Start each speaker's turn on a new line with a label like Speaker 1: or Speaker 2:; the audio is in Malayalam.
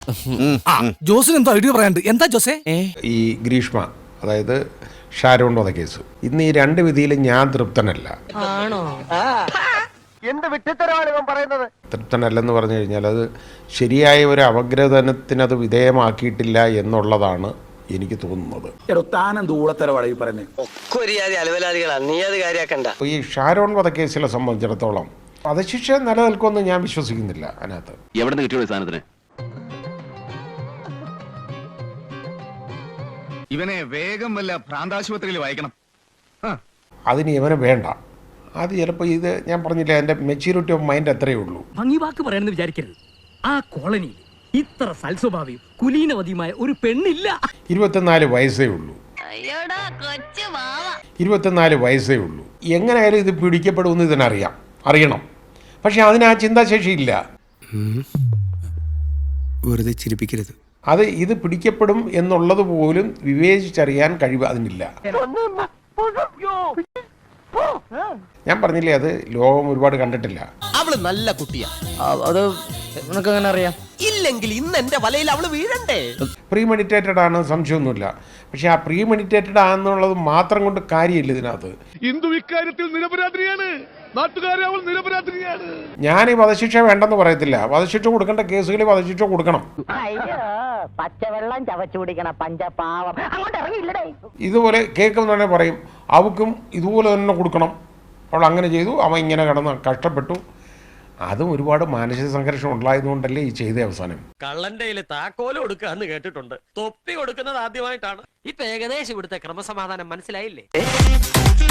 Speaker 1: ജോസിന് എന്തോ ഐഡിയ പറയാണ്ട്. എന്താ ജോസേ?
Speaker 2: ഈ ഗ്രീഷ്മ, അതായത് ഷാരോൺ വധക്കേസ്, ഇന്ന് ഈ രണ്ട് വിധിയിലും ഞാൻ തൃപ്തനല്ല. തൃപ്തനല്ലെന്ന് പറഞ്ഞു കഴിഞ്ഞാൽ അത് ശരിയായ ഒരു അപഗ്രഥനത്തിനത് വിധേയമാക്കിയിട്ടില്ല എന്നുള്ളതാണ് എനിക്ക് തോന്നുന്നത്. ഈ ഷാരോൺ വധക്കേസിനെ സംബന്ധിച്ചിടത്തോളം വധശിക്ഷ നിലനിൽക്കുമെന്ന് ഞാൻ വിശ്വസിക്കുന്നില്ല. അതിനകത്ത്
Speaker 3: എവിടെ നിന്ന് കിട്ടിയോ സാധനത്തിന്?
Speaker 4: ഇവനെ വേഗം വല്ല ഭ്രാന്താശുപത്രിയിൽ വായിക്കണം.
Speaker 2: അതിന് ഇവനെ വേണ്ട. അത് ചിലപ്പോൾ ഇത് ഞാൻ പറഞ്ഞില്ല, എൻ്റെ മെച്യൂരിറ്റി ഓഫ് മൈൻഡ് അത്രയേ ഉള്ളൂ.
Speaker 5: ഭംഗി വാക്ക് പറയണമെന്ന് വിചാരിക്കരുത്. ആ കോളനിയിൽ ഇത്ര സൽസ്വഭാവിയും കുലീനവതിയുമായ ഒരു പെണ്ണില്ല.
Speaker 2: 24 വയസ്സേ ഉള്ളൂ. 24 വയസ്സേ ഉള്ളൂ. എങ്ങനെയായാലും ഇത് പിടിക്കപ്പെടുമെന്ന് അറിയണം. പക്ഷെ അതിന് ആ ചിന്താശേഷിയില്ല.
Speaker 6: വെറുതെ ചിരിപ്പിക്കരുത്.
Speaker 2: ഇത് പിടിക്കപ്പെടും എന്നുള്ളത് പോലും വിവേചിച്ചറിയാൻ കഴിവ് അതിനില്ല. ഞാൻ പറഞ്ഞില്ലേ, അത് ലോകം ഒരുപാട് കണ്ടിട്ടില്ല.
Speaker 7: അവള് നല്ല കുട്ടിയാ.
Speaker 5: അത് നിനക്കങ്ങനെ അറിയാം?
Speaker 7: ഇല്ലെങ്കിൽ ഇന്ന് എന്റെ വലയിൽ അവള് വീഴണ്ടേ?
Speaker 2: പ്രീമെഡിറ്റേറ്റഡ് ആണ്, സംശയമൊന്നുമില്ല. പക്ഷെ ആ പ്രീമെഡിറ്റേറ്റഡ് ആണെന്നുള്ളത് മാത്രം കൊണ്ട് കാര്യമില്ല. ഇതിനകത്ത്
Speaker 4: ഹിന്ദു ഇക്കാര്യത്തിൽ നിരപരാധിയാണ്, നാട്ടുകാരെ അവൾ നിരപരാധിയാണ്.
Speaker 2: ഞാൻ ഈ വധശിക്ഷ വേണ്ടെന്ന് പറയത്തില്ല. വധശിക്ഷ കൊടുക്കേണ്ട കേസുകളിൽ വധശിക്ഷ കൊടുക്കണം.
Speaker 8: പച്ചവെള്ളം ചവച്ചു കുടിക്കണ പഞ്ചപാവം അങ്ങോട്ട് ഇറങ്ങിയില്ലടേ.
Speaker 2: ഇതുപോലെ കേൾക്കുന്നവരെ പറയും, അവക്കും ഇതുപോലെ തന്നെ കൊടുക്കണം, അവൾ അങ്ങനെ ചെയ്തു, അവൻ ഇങ്ങനെ കിടന്ന് കഷ്ടപ്പെട്ടു. അതും ഒരുപാട് മാനസിക സംഘർഷം ഉണ്ടായതുകൊണ്ടല്ലേ ഈ ചെയ്ത അവസാനം.
Speaker 7: കള്ളന്റെ താക്കോല് കൊടുക്കാന്ന് കേട്ടിട്ടുണ്ട്, തൊപ്പി കൊടുക്കുന്നത് ആദ്യമായിട്ടാണ്.
Speaker 5: ഇപ്പൊ ഏകദേശം ഇവിടുത്തെ ക്രമസമാധാനം മനസ്സിലായില്ലേ?